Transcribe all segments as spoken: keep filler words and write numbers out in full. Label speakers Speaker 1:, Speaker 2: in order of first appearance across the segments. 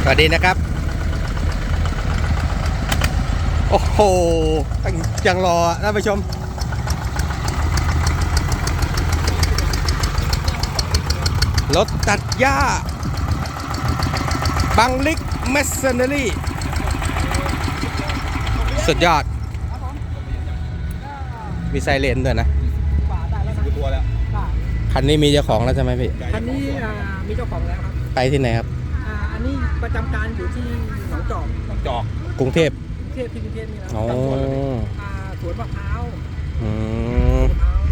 Speaker 1: สวัสดีนะครับโอ้โหยังรอท่านผู้ชมรถตัดหญ้าบังลิกเมสเซนเนอรี่สุดยอดมีไซเรนด้วยนะคันนี้มีเจ้าของแล้วใช่ไหมพี่
Speaker 2: คันนี้มีเจ้าของแล้วครับ
Speaker 1: ไปที่ไหนครับ
Speaker 2: อันนี้ประจำการอยู่ที่หนองจอกหนองจอก
Speaker 1: กรุงเทพ
Speaker 2: กรุงเทพที่กรุงเทพนี่นะ
Speaker 1: อ๋อ
Speaker 2: สวนมะพร้าว
Speaker 1: อืม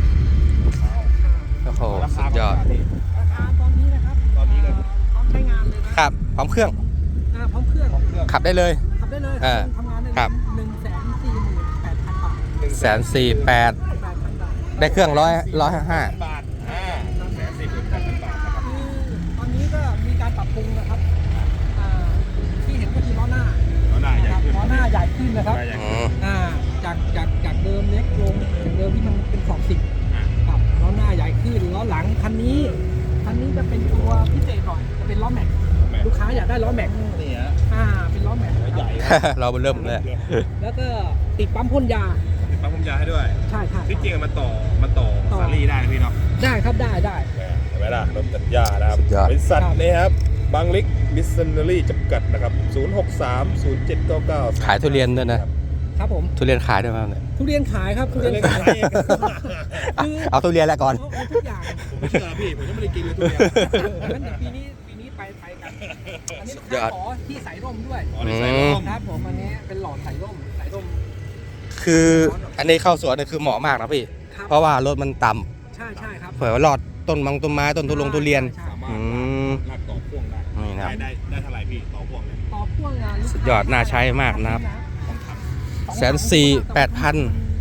Speaker 1: โอ้โหสุดยอด
Speaker 2: ราคาตอนนี้นะครับตอนนี้เลยพร้อมใช้งานเลย
Speaker 1: ครับพร้อมเครื่อง
Speaker 2: พร้อมเครื่อง
Speaker 1: ขับได้เลย
Speaker 2: ขับได้เลยทำงานได้
Speaker 1: ครับ
Speaker 2: หนึ่งแสนสี่หมื่นแปดพันบาท
Speaker 1: แสนสี่แปดได้เครื่องร้อยร้อยห้า
Speaker 3: บาทอ่าแสนสี่หมื่นแปดพันบาทนะครับ
Speaker 2: ตอนนี้ก็มีการปรับปรุงนะครับที่เห็นก็คือล้อหน้า
Speaker 3: ล้อหน้าใหญ่ขึ้น
Speaker 2: ล้อหน้าใหญ่ขึ้นนะครับอ่าจากจากจากเดิมเล็กลงจากเดิมที่มันเป็นขอบสิบครับล้อหน้าใหญ่ขึ้นล้อหลังคันนี้คันนี้จะเป็นตัวพิเศษหน่อยจะเป็นล้อแม็กลูกค้าอยากได้ล้อแม็ก
Speaker 3: นี่ฮะ
Speaker 2: อ่าเป็นล้อแม็ก
Speaker 3: ใหญ่
Speaker 1: เราเริ่มเลย
Speaker 2: แล้วก็ติดปั๊มพ่นยา
Speaker 3: ติดปั๊มพ่นยาให้ด้วย
Speaker 2: ใช่ใช่
Speaker 3: ที่จริงมันต่อมันต่อซารี่ได้นะพี่เนาะ
Speaker 2: ได้ครับได้ได้
Speaker 3: เห็นไหมล่ะรถตัดหญ้านะครับบริษัทนี่ครับบางลิกมิสเซนเนอรี่จำกัดนะครับศูนย์ หก สาม ศูนย์ เจ็ด เก้า เก้า
Speaker 1: ขายทุเรียนด้วยนะครับ
Speaker 2: ผม
Speaker 1: ทุเรียนขายด้วยมั้ยเนี่ย
Speaker 2: ทุเรียนขายครับทุเรียนขาย
Speaker 1: เอาทุเรียนแล้วก่อน
Speaker 2: ทุกอย่าง
Speaker 3: ไม่เชื่อพี่ผมยังไม่ได้กินเลยทุเรียน
Speaker 2: งั้นปีนี้ปีนี้ไปไปกันอันนี้ขอที่สายร่มด้วยครับผมอันนี้เป็นหลอดสายร่มสายร่ม
Speaker 1: คืออันนี้เข้าสวนนี่คือเหมาะมากนะพี่เพราะว่ารถมันต่
Speaker 2: ำใช่ใช่ครับ
Speaker 1: เผื่อว่าหลอดต้นมังต้นไม้ต้นทุลงทุเรียน
Speaker 3: อืมลากต่อพ่วงได้
Speaker 1: นี่นะครับ
Speaker 3: ได้ได้เท่าไหร่พี่ต่อพ่วงเลย
Speaker 2: ต่อพ่วงงาน
Speaker 1: สุดยอดน่าใช้มากนะครับแสนสี่แปดพัน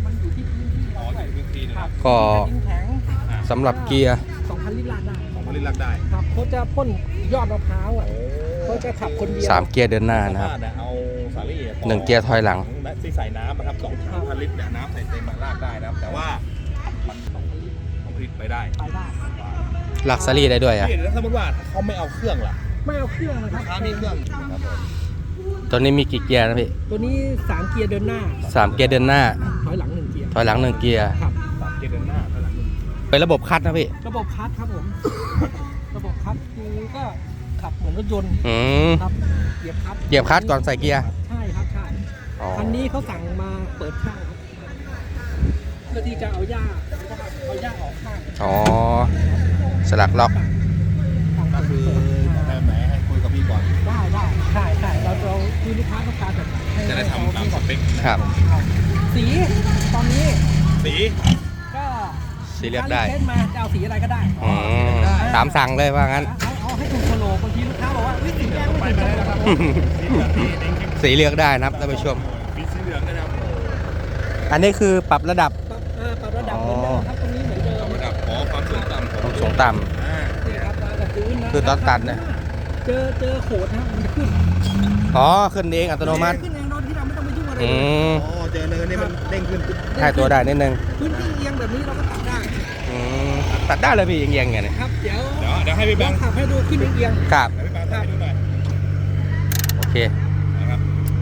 Speaker 1: ก็สำหรับเกียร์
Speaker 2: สองพันลิตรลากได้
Speaker 3: สองพันลิตรลากได้
Speaker 2: ครับเขาจะพ่นยอดมะพร้าวอ่ะเขาจะขับคนเดียว
Speaker 1: สามเกียร์เดินหน้านะครับ
Speaker 3: เอาสาลี่
Speaker 1: หนึ่งเกียร์ถอยหลัง
Speaker 3: ที่ใส่น้ำนะครับสองพันลิตรเนี่ยน้ำใส่เต็มลากได้นะครับแต่ว่ามันสองพันลิตรสองพันลิตรไปได้
Speaker 2: ไปได้
Speaker 1: ลักซารี่ได้ด้วยอ่ะ
Speaker 3: แล้วสมมติว่าเขาไม่เอาเครื่องล่ะ
Speaker 2: ไม่เอาเครื่องนะครับ
Speaker 3: ถ้ามีเครื่อง
Speaker 1: ตัวนี้มีกี่เกียร์นะพี่
Speaker 2: ตัวนี้สามเกียร์เดินหน้า
Speaker 1: สามเกียร์เดินหน้า
Speaker 2: ถอยหลังหนึ่งเกียร์
Speaker 1: ถอยหลังหนึ่งเกียร์
Speaker 2: ครับ
Speaker 3: สามเกียร์เดินหน้าถอยหลัง
Speaker 1: เป็นระบบคัทนะพี่
Speaker 2: ระบบคัทครับผมระบบคัทคือก็ขับเหมือนรถยนต์ครับเหยียบคัท
Speaker 1: เหยียบคัทก่อนใส่เกียร์
Speaker 2: ใช่ครับใช่คันนี้เขาสั่งมาเปิดข้างครับเพื่อที่จะเอาหญ้าเอาหญ้าออกข้าง
Speaker 1: อ๋อสลักล็อก
Speaker 3: ก็คือได้ไหมให้คุยกับพี่ก่อน
Speaker 2: ได้ได้ใช่ใช่เราเราคือลูกค้าต้องการแบบ
Speaker 3: จะได้ทำตามสเปค
Speaker 1: ครับ
Speaker 2: สีตอนนี้
Speaker 3: สี
Speaker 2: ก็
Speaker 1: สีเลือกได้
Speaker 2: เล่นมาจะเอาสีอะไรก็ได้
Speaker 1: ตามสั่งเลยว่างั้น
Speaker 2: เอาเอาให้ถูกโคโลบางทีลูกค้าบอกว่าสีแดงไม่ถูกนะครับ
Speaker 1: สีเลือกได้นะครับท่านผู้ชม
Speaker 3: สีเหลืองนะครับ
Speaker 1: อันนี้คือปรับระดับ
Speaker 2: ปรับระดับเหมือนเดิมครับตรงนี้เหมือนเดิม
Speaker 3: ระดับขอความสูงต่ำ
Speaker 1: ความสูงต่ำคือตอนตัดเนี่ย
Speaker 2: เจอเจอโขดนะมันขึ้น
Speaker 1: อ๋อขึ้นเองอัตโนมัติ
Speaker 2: ขึ้นเองโดยที่เราไม่ต้องไปยุ่งอะไร
Speaker 1: เลย
Speaker 3: อ๋อเจอเนินนี่มันเด้งขึ้น
Speaker 1: ให้ตัวได้นิดนึง
Speaker 2: พื้นที่เอียงแบบนี้เราก็ตัดได้
Speaker 1: ตัดได้เลยพี่เอียงๆไงเนี่ย
Speaker 2: ครับเดี๋ยว
Speaker 3: เดี๋ยวเดี๋ยวให้พี่แบงค์
Speaker 2: ขับให้ดูขึ้นเอียง
Speaker 1: ครับ
Speaker 3: พี่แบงค์ให้ดูหน่อย
Speaker 1: โอเค
Speaker 3: นะครับ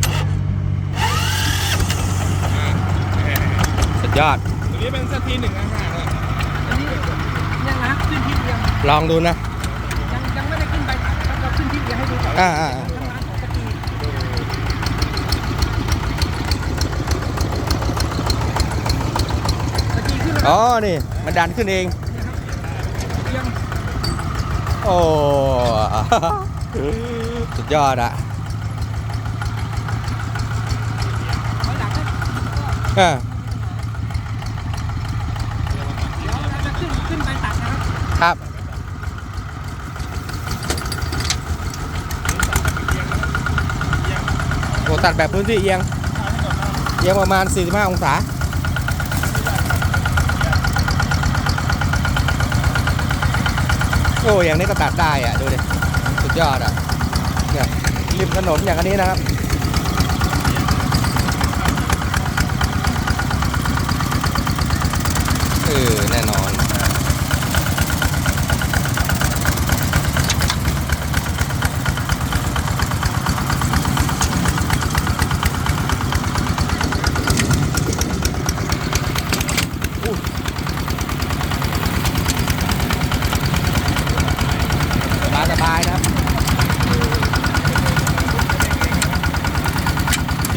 Speaker 1: สุดยอด
Speaker 3: ตัวนี้เป็นสตีหนึ่งห้าห้าเลย
Speaker 2: อันนี้ยังนะขึ้นที่เอียง
Speaker 1: ลองดูนะ
Speaker 2: ยังยังไม่ได้ขึ้นไปตัดเราขึ้นที่เอียงให้ดูก่อน
Speaker 1: อ่าอ่าอ๋อนี่มันดันขึ้นเองโอ้สุดยอดอะอ่า
Speaker 2: ขึ้นไปตัดนะครับ
Speaker 1: ครับโอ้ตัดแบบพื้นที่เอียงเอียงประมาณสี่สิบห้าองศาโอ้อย่างนี้ก็ตัดได้อ่ะดูดิสุดยอดอ่ะเนี่ยริมถนนอย่างนี้นะครับเออแน่นอน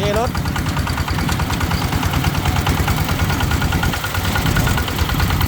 Speaker 1: นี่รถ